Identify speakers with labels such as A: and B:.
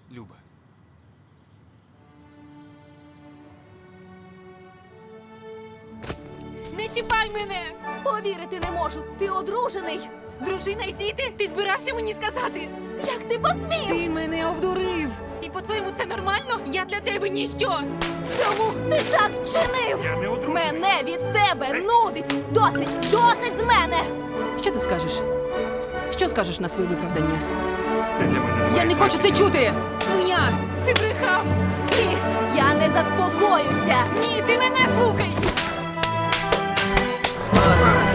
A: Люба.
B: Не чіпай мене!
C: Повірити не можу. Ти одружений.
B: Дружина й діти? Ти збирався мені сказати?
C: Як ти посмів?
B: Ти мене обдурив! І по-твоєму це нормально? Я для тебе ніщо!
C: Чому ти так чинив?
A: Я не одружений.
C: Мене від тебе нудить. Досить, досить з мене.
B: Що ти скажеш? Що скажеш на своє виправдання?
A: Це для мене немає
B: Я не хочу це
A: значення.
B: чути! Свиня! Ти брехав!
C: Ні, я не заспокоюся.
B: Ні, ти мене слухай!